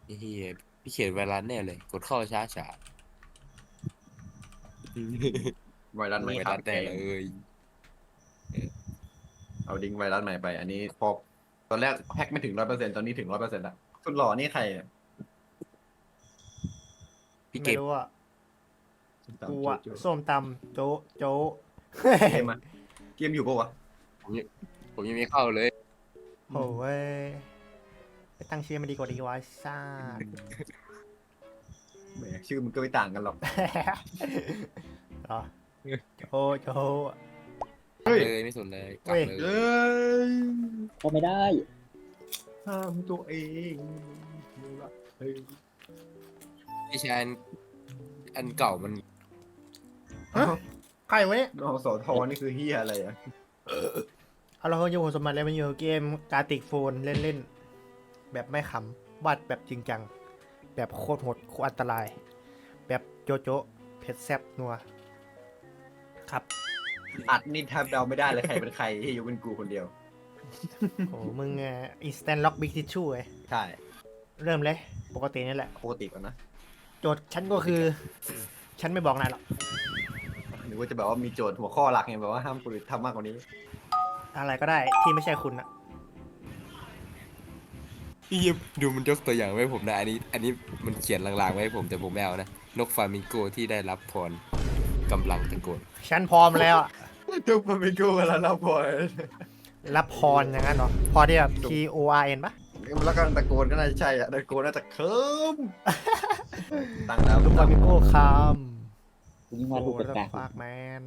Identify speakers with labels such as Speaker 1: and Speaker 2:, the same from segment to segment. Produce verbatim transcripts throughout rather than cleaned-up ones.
Speaker 1: เฮียพี่เขียนไวรัสแน่เลยกดเข้าช้าช้า
Speaker 2: ไวรัสใหม่
Speaker 1: ไว
Speaker 2: ครั
Speaker 1: รั
Speaker 2: บ
Speaker 1: สแน่เลยเออ
Speaker 2: เอาดิ้งไวรัสใหม่ไป อันนี้พอตอนแรกแพ็กไม่ถึงร้อยเปอร์เซ็นต์ตอนนี้ถึงร้อยเปอร์เซ็นต์ละสุดหล่อนี่ใครอะ
Speaker 1: พี่เก
Speaker 3: ไม่
Speaker 1: ม
Speaker 3: รู้อ่ะ
Speaker 2: ตาม
Speaker 3: กู
Speaker 2: โจ
Speaker 3: อ่ะ
Speaker 2: โจ
Speaker 3: ส้มตำโจ๊ะโจ๊ะ
Speaker 2: เกมอะเกมอยู่ปะวะ
Speaker 1: ผมยังผมยังไม่เข้าเลย
Speaker 3: โอ้เว้ยไปตั้งชื่อมันดีกว่าดีวะซ่า
Speaker 2: แหมชื่อมันก็ไม่ต่างกันหรอก
Speaker 3: เหรอโจ๊ะโจ๊ะ
Speaker 2: เฮ้ย
Speaker 1: เลยไม่สนเลยกลับ
Speaker 3: เว้ย
Speaker 1: เลย
Speaker 2: เอ้ย
Speaker 4: ก็ไม่ได้
Speaker 2: ห้ามตัวเองเฮ้ย
Speaker 1: พี่ชายอันอันเก่ามัน
Speaker 3: ใครวะเนี่ย
Speaker 2: นอสอทอนี่คือเฮียอะไรอะ
Speaker 3: เอาเราอยู่สมบัติเลยมันอยู่เกมการติกโฟนเล่นๆ แบบไม่ขำวาดแบบจริงจัง แบบโคตรโหดโคตรอันตราย แบบโจโจะเผ็ดแซ่บนัว ครับ
Speaker 2: อัดนี่แทบเดาไม่ได้เลยใครเป็นใครที่อยู่เป็นกูคนเดียว
Speaker 3: โอ้มึงอ่ะ instant lock big tissue ไง
Speaker 2: ใช่
Speaker 3: เริ่มเลย ปกตินี่แหละ
Speaker 2: ปกติก่อนนะ
Speaker 3: โจทย์ฉันก็คือ ฉันไม่บอกนายหรอก
Speaker 2: หรือว่าจะแบบว่ามีโจทย์หัวข้อหลักไงแบบว่าห้ามคนอื่นทำมากกว่านี้
Speaker 3: อะไรก็ได้ที่ไม่ใช่คุณอะ
Speaker 1: พี่ดูมันยกตัวอย่างไว้ผมนะอันนี้ อันนี้มันเขียนลางๆไว้ให้ผมแต่ผมไม่เอานะนกฟลามิงโกที่ได้รับพรกำลังตะโกน
Speaker 3: ฉันพร้อมแล้วอะ
Speaker 2: ทุกคนเป็นกูแล้วเราพอ
Speaker 3: รับพรอย่างนั้นเหรอ พอที่แบบ P O R N ปะ
Speaker 2: แล้วก็ตะโกนก็น่าจะใช่อะตะโกนน่าจะเคิมตั้งแล้ว
Speaker 3: ลูกฟามิโก้คาม
Speaker 4: กูยิ่ง
Speaker 3: โอ้
Speaker 4: ว่าลูก
Speaker 3: แล้ว
Speaker 4: กาก
Speaker 3: ฟากแมน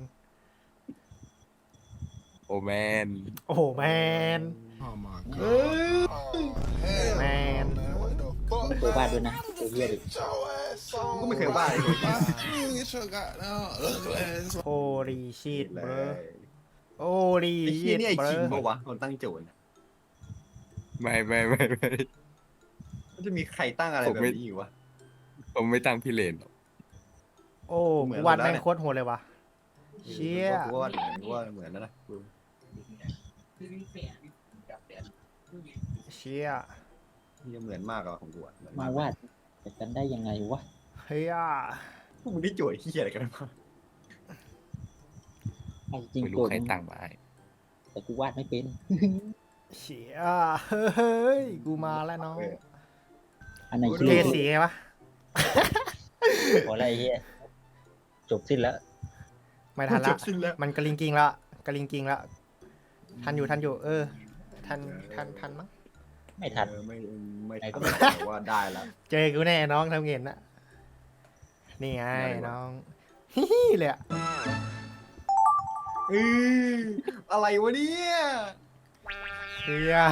Speaker 1: โอแมน
Speaker 3: โอ้โหแมน
Speaker 2: เอ้ย
Speaker 3: แมน
Speaker 4: ๆตัวบ้านด้วยนะตัวเหี้ยดิ
Speaker 2: กูก็ไม่เคยว่าเลย
Speaker 3: โอรีชีต
Speaker 2: เล
Speaker 3: เบรอย โอรี
Speaker 2: ไอ้
Speaker 3: ชี
Speaker 2: เหี้ย
Speaker 3: ต
Speaker 2: นี่ไอ้
Speaker 3: เบร
Speaker 2: คิง
Speaker 3: อ
Speaker 2: ปะวะคนตั้งโจทย์น่ะ
Speaker 1: ไม่ไม่ไม่ไม่
Speaker 2: มันจะมีใครตั้งอะไร
Speaker 1: ผม
Speaker 2: แบบ
Speaker 1: ไม่
Speaker 2: นี้อยู่วะ ผม
Speaker 1: ไม่ตั้งพี่เลนหรอก
Speaker 3: โอ้
Speaker 2: เหมือน
Speaker 3: กูวัน
Speaker 2: แล้ว
Speaker 3: แม่ง
Speaker 2: เนี่ย
Speaker 3: โคตรโหดเลยว่ะ เชี่ย
Speaker 2: กูว่ากูว่าเหมือนแล้วนะกู
Speaker 3: เชี่ย
Speaker 2: นี่เหมือนมากอะของกูอะเหมือน
Speaker 4: มาม
Speaker 2: าก
Speaker 4: วาดแต่กันได้ยังไงวะ
Speaker 3: เฮีย
Speaker 2: พวกมึงได้โจทย์เหี้ยอะไรกันมา
Speaker 4: ไอ้จริง
Speaker 1: ไม่
Speaker 4: โก
Speaker 1: รู้
Speaker 4: รธ
Speaker 1: ใคร
Speaker 4: มึง
Speaker 1: ตั้งมาให้
Speaker 4: แต่กูวาดไม่เป็น
Speaker 3: เชี่ยเฮ้ย กูมาแล้วน้อง
Speaker 4: อันไหน
Speaker 3: เก
Speaker 4: ชื่อ
Speaker 3: สีไงวะ
Speaker 4: ขออะไรเฮียจบสิ้นแล้ว
Speaker 3: ไม่ทัน
Speaker 2: จ
Speaker 3: ละ
Speaker 2: บสิ้นแล้ว
Speaker 3: มันกระลิงกิงละกระลิงกิงละทันอยู่ทันอยู่ เออ ทันทันทันมั้ง
Speaker 4: ไม่ทัน
Speaker 2: เออไม่ไม่
Speaker 4: ไหนก็
Speaker 2: ทัน
Speaker 4: ไม่
Speaker 2: แต่ว่าได้ละ
Speaker 3: เจอกูแน่น้องทำเงินนะนี่ไง
Speaker 2: ได้วะ
Speaker 3: น้องฮิฮิเลยอะ
Speaker 2: เอออะไรวะเนี่ย
Speaker 3: เฮีย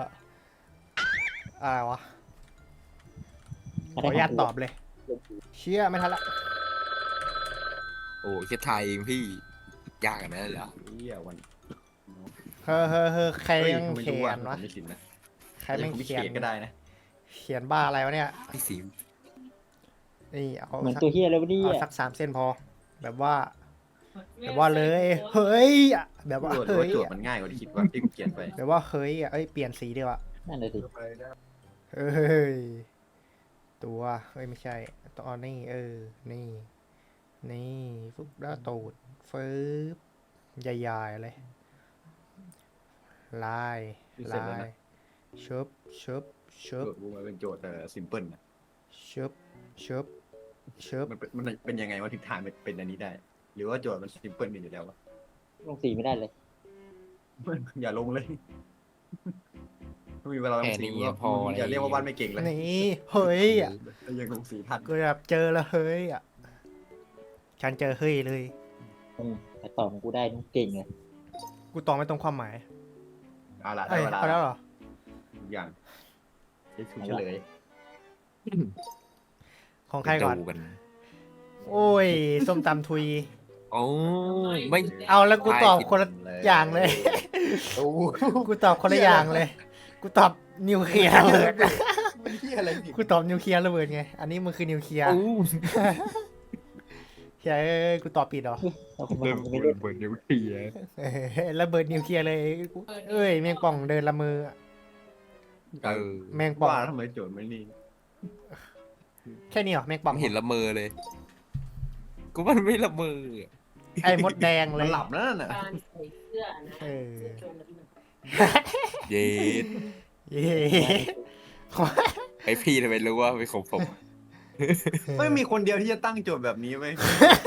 Speaker 3: อะไรวะขออนุญาตตอบเลย เชี่ยไม่ทันละ
Speaker 1: โอ้แค่ไทยเองพี่ยากกันนะเหรอ
Speaker 2: เหี้ยวัน
Speaker 3: เฮ้อเฮ้อเฮ้อใคร
Speaker 2: เฮ้ย
Speaker 3: ยัง
Speaker 2: ไม่
Speaker 3: เขี
Speaker 2: รู้
Speaker 3: ย
Speaker 2: อ่ะ
Speaker 3: น
Speaker 2: ผม
Speaker 3: วะ
Speaker 2: ไม่ชินนะ
Speaker 3: ใครแม่ง
Speaker 2: ผม
Speaker 3: เขียน
Speaker 2: ก็ได้นะ
Speaker 3: เขียนบ้าอะไรวะเนี่ย
Speaker 1: พี่สี
Speaker 3: นี่เอา
Speaker 4: เหมือน
Speaker 3: สัก
Speaker 4: ตัวเฮียเลยวะเนี่
Speaker 3: เอา
Speaker 4: ย
Speaker 3: สักสามเส้นพอ แบบว่า แบบว่าเลย เฮ้ยอะแบบว่า
Speaker 2: โจทย์
Speaker 3: เฮ้ย
Speaker 2: โจท
Speaker 3: อะ
Speaker 2: ย์มันง่ายกว่าที่คิดว่าที่กูเขียนไป
Speaker 3: แบบว่าเฮ้ยอะเอ้ยเปลี่ยนสีดีกว่า
Speaker 4: นั่นเลยดิ
Speaker 3: เฮ้ย ตัว เฮ้ย ไม่ใช่ตอนนี้ เออ นี่ นี่ฟึบแล้วตูดฟึบใหญ่ๆเลย ลาย
Speaker 2: เสร็จ
Speaker 3: ลา
Speaker 2: แล้ว
Speaker 3: ย
Speaker 2: นะ
Speaker 3: ชุบชุบชุ
Speaker 2: โจ
Speaker 3: บ
Speaker 2: ทย์กูมันเป็นโจทย์แต่ซิมเพิลนะ
Speaker 3: ชุบชุบชุบ
Speaker 2: มันเป็นมันเป็นยังไงว่าทิศทางมันเป็นอันนี้ได้ หรือว่าโจทย์มันซิมเพิลอยู่แล้ววะ
Speaker 4: ลงสีไม่ได้เลย
Speaker 2: อย่าลงเลยไม่มีเวลาล
Speaker 1: แค่
Speaker 2: งสี
Speaker 1: นี้พอ
Speaker 2: อย่าเรียกว่าบ้านไม่เก่งเลย
Speaker 3: นี่ เฮ้ยอะ
Speaker 2: ยังลงสีทัน
Speaker 3: กูแบบเจอแล้วเฮ้ยอะฉันเจอเฮ้ยเลย
Speaker 4: อืมแต่ตอบของกูได้นุ่งเก่งเลย
Speaker 3: กูตองไม่ตรงความหมาย
Speaker 2: เอาละได้
Speaker 3: เอ้ย
Speaker 2: เวลา
Speaker 3: เอาแล้วเหรอ
Speaker 2: ทุกอย่างจะถูกเฉลย
Speaker 3: ของใครก่อน
Speaker 1: ดูกัน
Speaker 3: โอ้ย ส้มตำทุย
Speaker 1: โอ้ยไม่
Speaker 3: เอาแล้วกูตอบคนละอย่างเลย
Speaker 2: โอ้โห
Speaker 3: กูตอบคนละอย่างเลย กูตอบนิวเคลียร์ระเบิด
Speaker 2: มันเหี้ยอะไรผิด
Speaker 3: กูตอบนิวเคลียร์ระเบิดไง อันนี้มันคือนิวเคลียร์
Speaker 1: โอ้
Speaker 3: เฮ้ยกูตอบผิดเหรอ
Speaker 4: เราคงมา
Speaker 1: เริ่ม
Speaker 4: ทำกันไม่ได้
Speaker 1: เปิดนิ้วเทีย
Speaker 3: เออระเบิดนิวเคลียร์เลยกูเอ้ยแมงป่องเดินละมือ
Speaker 1: เออ
Speaker 3: แมงป่อง
Speaker 2: ว่าทำไมโจทย์ไม่นี่
Speaker 3: แค่นี้เหรอแมง
Speaker 1: ผ
Speaker 3: ป่อง
Speaker 1: มเห็นละเมอเลยกูมันไม่ละเมออะ
Speaker 3: ไอ้มดแดงเล
Speaker 2: มัน
Speaker 3: ย
Speaker 2: หลับแล้วนั่นน่ะ
Speaker 5: การใส่เสื้อนะ
Speaker 3: เออ
Speaker 5: เสื้อโจรนะพี่
Speaker 1: เย็ด
Speaker 3: เย้
Speaker 1: ไอพี่ทำไมรู้ว่าเป็นของผม
Speaker 2: ไม่มีคนเดียวที่จะตั้งโจทย์แบบนี้ไว้ย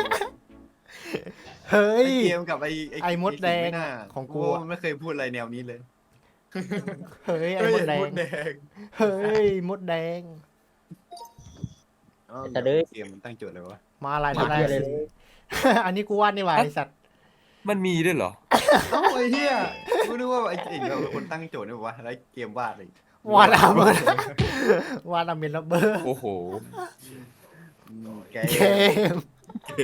Speaker 3: เฮ้ย
Speaker 2: ไอเกมกับไอ
Speaker 3: ไอ้มดแดง
Speaker 2: ไสิ่ไม่น่า
Speaker 3: ของกู
Speaker 2: มันไม่เคยพูดอะไรแนวนี้เลย
Speaker 3: เฮ้ยไอ้
Speaker 2: เฮ้ย
Speaker 3: มดแดง
Speaker 2: มดแดง
Speaker 3: เฮ้ยมดแดง
Speaker 2: อ้าว
Speaker 4: แต่เด้อ
Speaker 2: เกมมันตั้งโจทย์เลยวะ
Speaker 3: มาอะไร
Speaker 4: มา
Speaker 3: ทำไร
Speaker 4: เหี้ยเลย
Speaker 3: อันนี้กูวาดนี่หว่าไอสัตว์
Speaker 1: มันมีด้วยเหรอ
Speaker 2: เอ้าไอ้เหี้ยกูนึกว่าไอ้เจ๋งเราเป็นคนตั้งโจทย์นี่วะแล้วเกมวาดเลย
Speaker 3: วาดอาเมนวาดอาเมนระเบิด
Speaker 1: โอ้โห
Speaker 2: อืมแก
Speaker 3: เกม
Speaker 2: แก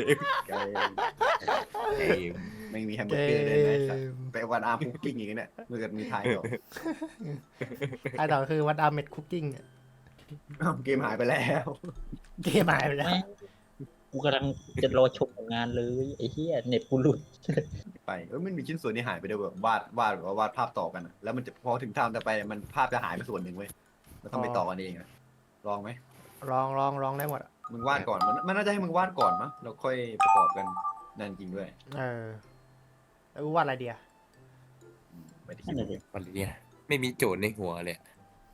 Speaker 1: เกม
Speaker 2: ไม่มีแฮม
Speaker 3: เก
Speaker 2: เบอร์เกอร์เลยนะไอ้สัส
Speaker 3: ม
Speaker 2: ไปวันอาร์มคุกกิ้งอย่างเงี้ยเมื่อเกิดมีทายต่อ
Speaker 3: ไอ้ต่อคือวัดอาเมดคุกกิ้ง
Speaker 2: อ้าวเกมหายไปแล้ว
Speaker 3: เกมหายไปแล้ว
Speaker 4: แม่งกูกำลังจะรอชมผลงานเลยไอ้เหี้ยเน็ตกูหลุด
Speaker 2: ไปเออมันมีชิ้นส่วนที่หายไปด้วยแบบวาดวาดแบบว่าวาดภาพต่อกันอะแล้วมันจะพอถึงทางจะไปมันภาพจะหายไปส่วนหนึ่งเว้ยมันต้องไปต่อกันเองอะลองไหม
Speaker 3: ลองลองลองได้หมดอะ
Speaker 2: มึงวาดก่อนมันมันน่าจะให้มึงวาดก่อนมั้งแล้วค่อยประกอบกันนั่นจริงด้วย
Speaker 3: เออแล้วกูวาดอะไรเดีย
Speaker 2: ไม่ได้คิ
Speaker 4: นั่
Speaker 2: ด
Speaker 4: นแหละดิ
Speaker 1: วันนี้ไม่มีโจทย์ในหัวเลยอะ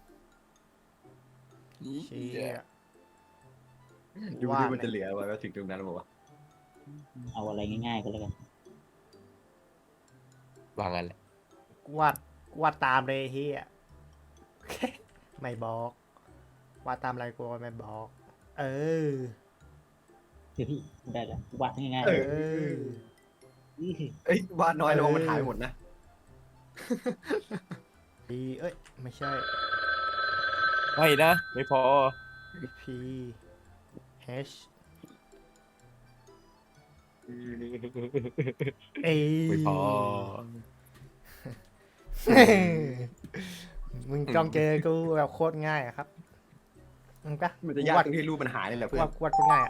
Speaker 3: เชี่ย
Speaker 2: ดู
Speaker 3: วา
Speaker 2: ที่
Speaker 3: ด
Speaker 2: มันจะเหลือไว้ว่าถึงตรงนั้นบอกว่า
Speaker 4: เอาอะไรง่ายๆก็แล้วกัน
Speaker 1: วางกันแหละ
Speaker 3: กูวาดกูวาดตามเลยเฮีย ไม่บอกวาดตามอะไรกูไม่บอก เออ
Speaker 4: เดี๋ยวพี่ได้แล้ววาดง่ายๆ
Speaker 3: เอ
Speaker 4: เลย
Speaker 3: อ
Speaker 4: อื้อ
Speaker 2: เอ้ยวาดน้อยลงมันหายหมดนะ
Speaker 3: พีเอ้ย ไม่ใช่
Speaker 1: ไม่นะ ไม่พอ
Speaker 3: P H A
Speaker 1: ไม่พอ
Speaker 3: มึงจ้องเจอกูแบบโคตรง่ายอะครับมึงปะ
Speaker 2: มันจะยากตรงที่รูปมันหายนี่แหละเพื่อ
Speaker 3: วาด
Speaker 2: น
Speaker 3: วาดโคตรง่ายอะ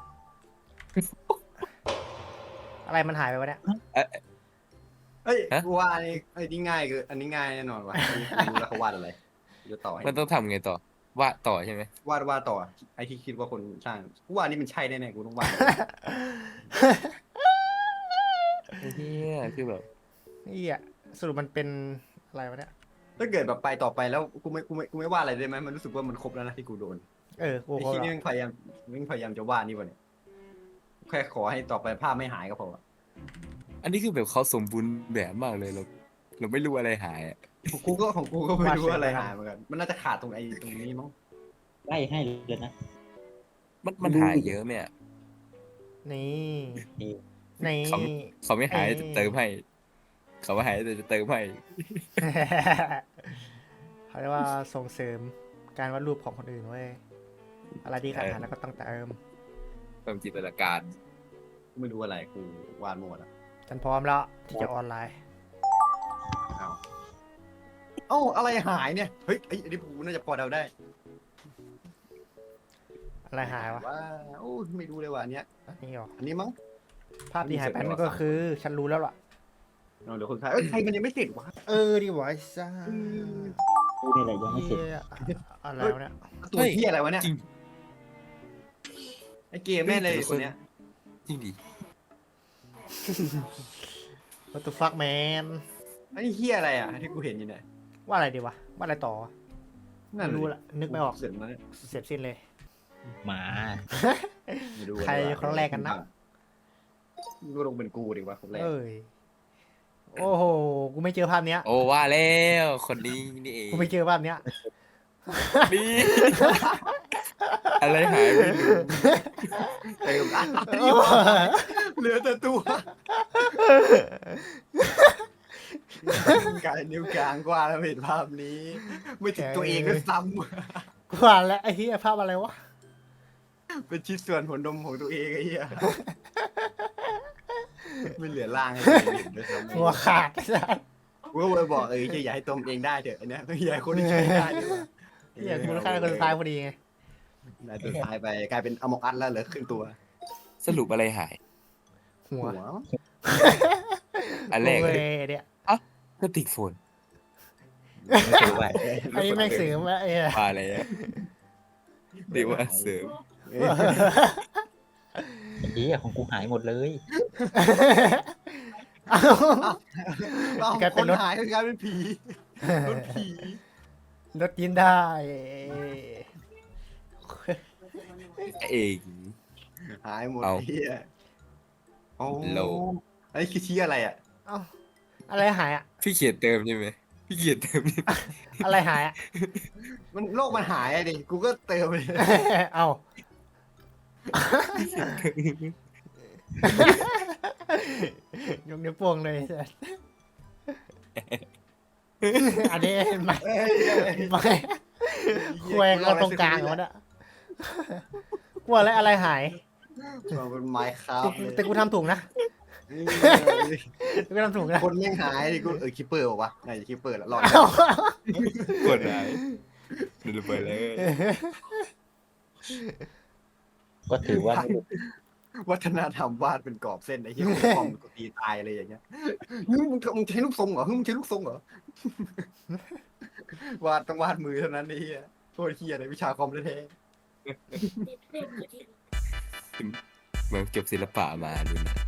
Speaker 3: อะไรมันหายไปวะเนี่ย
Speaker 2: เฮ้ย
Speaker 1: ฮะ
Speaker 2: กูว่าอันนี้ไอ้นี่ง่ายคืออันนี้ง่ายแน่นอนว่ะอันนี้กูรู้แล้วเขาวาดอะไรจะต่อให้
Speaker 1: มันต้องทำไงต่อ วาดต่อใช่ไหม
Speaker 2: วาดวาดต่อไอ้ที่คิดว่าคนสร้างกูว่าอันนี้มันใช่แน่ๆกูต้องวาด
Speaker 1: ไอ้เฮียคือแบบ
Speaker 3: นี่อะสรุปมันเป็นอะไรวะเนี่ย
Speaker 2: ถ้าเกิดแบบไปต่อไปแล้วกูไม่กูไม่กูไม่วาดอะไรได้ไหมมันรู้สึกว่ามันครบแล้วนะที่กูโดน
Speaker 3: เออ กู
Speaker 2: ไอ้
Speaker 3: ก็
Speaker 2: ที่นี่มึงพยายามมึงพยายามจะวาดนี่วะเนี่ยแค่ขอให้ต่อไปภาพไม่หายก็พออะ
Speaker 1: อันนี้คือแบบเขาสมบูรณ์แบบมากเลยเรา เราไม่รู้อะไรหายอะ
Speaker 2: ของกูก็ของกูก็ไม่รู้ว่าอะไรหายเหมือนกันมันน่าจะขาดตรงไอ้ตรงนี้มั้ง
Speaker 4: ไล่ให้เลยนะ
Speaker 1: มันมันหายเยอะไหมอะ
Speaker 3: นี่
Speaker 4: นี่
Speaker 3: นี่
Speaker 1: เขาเขาไม่หาย
Speaker 3: เอ้ย
Speaker 1: จะเติมให้ เขาไม่หายแต่จะเติมให้
Speaker 3: เขาเรียกว่าส่งเสริมการวาดรูปของคนอื่นเว้ย อะไรที่ขาดหายแล้วก็ต้องเติม
Speaker 1: เพิ่มจินตนาการ
Speaker 2: กูไม่รู้อะไรกูวาดหมดอ่ะ
Speaker 3: ฉันพร้อมแล้วที่จะออนไลน์
Speaker 2: เอาเอ้าอะไรหายเนี่ยเฮ้ยไอ้อันนี้กูน่าจะพอเดาได้
Speaker 3: อะไรหายวะ
Speaker 2: ว่าโอ้ยไม่รู้เลยว่ะอันเนี้ย
Speaker 3: อันนี้หรอ
Speaker 2: อันนี้มั้ง
Speaker 3: ภาพที่หายไปนั่นก็คือ ฉันรู้แล้วล่ะ
Speaker 2: เอาเดี๋ยวคนไทยเอ้ยใครมันยังไม่เสร็จวะ
Speaker 3: เออดีวะไอ้ซ่า
Speaker 4: กูนี่แหละยังไม่เสร็จ
Speaker 3: เหี้ยอะไรวะเนี่ย
Speaker 2: ตัวเที่ยอะไรวะเนี่ย
Speaker 1: จริง
Speaker 2: ไอ้เกมแม่เลยคนเนี้ย
Speaker 1: จริงดิ
Speaker 3: What the fuck man
Speaker 2: ไอ้เฮียอะไรอ่ะที่กูเห็นอยู่เนี่ย
Speaker 3: ว่าอะไรดีวะ ว่าอะไรต่อวะ
Speaker 2: นั่น
Speaker 3: ไม่รู้ละนึกไม่ออก
Speaker 2: เสร็จมาเนี่ย
Speaker 3: เสร็จสิ้นเลย
Speaker 4: หมา
Speaker 2: ไม่รู้
Speaker 3: ใครคนแรกกันนะ
Speaker 2: ก็ลงเป็นกูดีกว่าคนแรก
Speaker 3: เอ้ย โอ้โห กูไม่เจอภาพเนี้ย
Speaker 1: โอ้ว่าแล้วคนนี้นี่เอง
Speaker 3: กูไม่เจอภาพเนี้ย
Speaker 1: นี่ อะไรหายไม่รู้
Speaker 2: เต็มอ่ะเหลือแต่ตัวกายนิ้วกลางกว่าแล้วเห็นภาพนี้ ไม่ถึงตัวเองก็ซ้
Speaker 3: กูอ่านแล้วไอ้เหี้ยภาพอะไรวะ
Speaker 2: ำเป็นชิ้นส่วนหัวนมของตัวเองไอ้เหี้ยไม่เหลือร่างให้ตัวเองเห็นด้วยซ้ำ
Speaker 3: หัวขาดไอ้สัส
Speaker 2: กูก็เลยบอกเอออย่าให้ตมเองได้เถอะอันเนี้ยอย่าให้คนที่ใช้ได้ดีกว่า
Speaker 3: เหี้ยกูฆ่าคนสุดท้ายพอดีไง
Speaker 2: ได้ตัวท้ายไปกลายเป็นอมองอัดแล้วเหลือครึ่งตัว
Speaker 1: สรุปอะไรหาย
Speaker 3: หัว
Speaker 1: อันแรก
Speaker 3: โอ้
Speaker 1: เลย
Speaker 3: ยเนี่ย
Speaker 1: ก็ติดโฟน
Speaker 4: ไม่เคยไหว
Speaker 3: ไอ้แม่งเสือมาไอ้เหี้ย
Speaker 1: มาอะไรอะเรียกว่าเสริม
Speaker 2: เอ้ย
Speaker 4: ไอ้เหี้ยของกูหายหมดเลย
Speaker 3: เอา
Speaker 2: เอา
Speaker 3: กลาย
Speaker 2: ค
Speaker 3: เป็น
Speaker 2: น
Speaker 3: รถ
Speaker 2: หายคือกลายเป็นผีรถผี
Speaker 3: รถกินได้
Speaker 1: เอง
Speaker 2: หายหมด
Speaker 1: เอา
Speaker 2: เฮียโอ้
Speaker 1: โล
Speaker 2: อันนี้คือชี้อะไรอ่ะ
Speaker 3: เอ้าอะไรหายอ่ะ
Speaker 1: พี่เขียนเติมใช่ไหมพี่เขียนเติมใช่ไหม
Speaker 3: อะไรหายอ่ะ
Speaker 2: มันโลกมันหายอะดิกูก็เติมเลย
Speaker 3: เอา ยกนิ้วโป้งเลยอันนี้ไม่
Speaker 2: เอ้ยเอ้ย
Speaker 3: ไม่แควงเอาตรงกลางมันอะกลัวอะไรอะไรหาย
Speaker 2: มันเป็นไม้ครับ
Speaker 3: แต่กูทำถูกนะกูทำถูกนะ
Speaker 2: คนยังหายดิกูเออคิปเปอร์บอกว่าไหนจะคิปเปอร์ละรอด
Speaker 3: เอ้าก
Speaker 1: ดไหนดูไปเลย
Speaker 4: ก็ถือว่า
Speaker 2: วัฒนธรรมวาดเป็นกรอบเส้นไอ้เหี้ยคอมกูตีตายอะไรอย่างเงี้ยมึงมึงมึงใช้ลูกทรงเหรอมึงใช้ลูกทรงเหรอวาดต้องวาดมือเท่านั้นไอ้เหี้ยโคตรเหี้ยเลยวิชาคอมแท้
Speaker 1: เมืองจบศิลปะมาดูนะ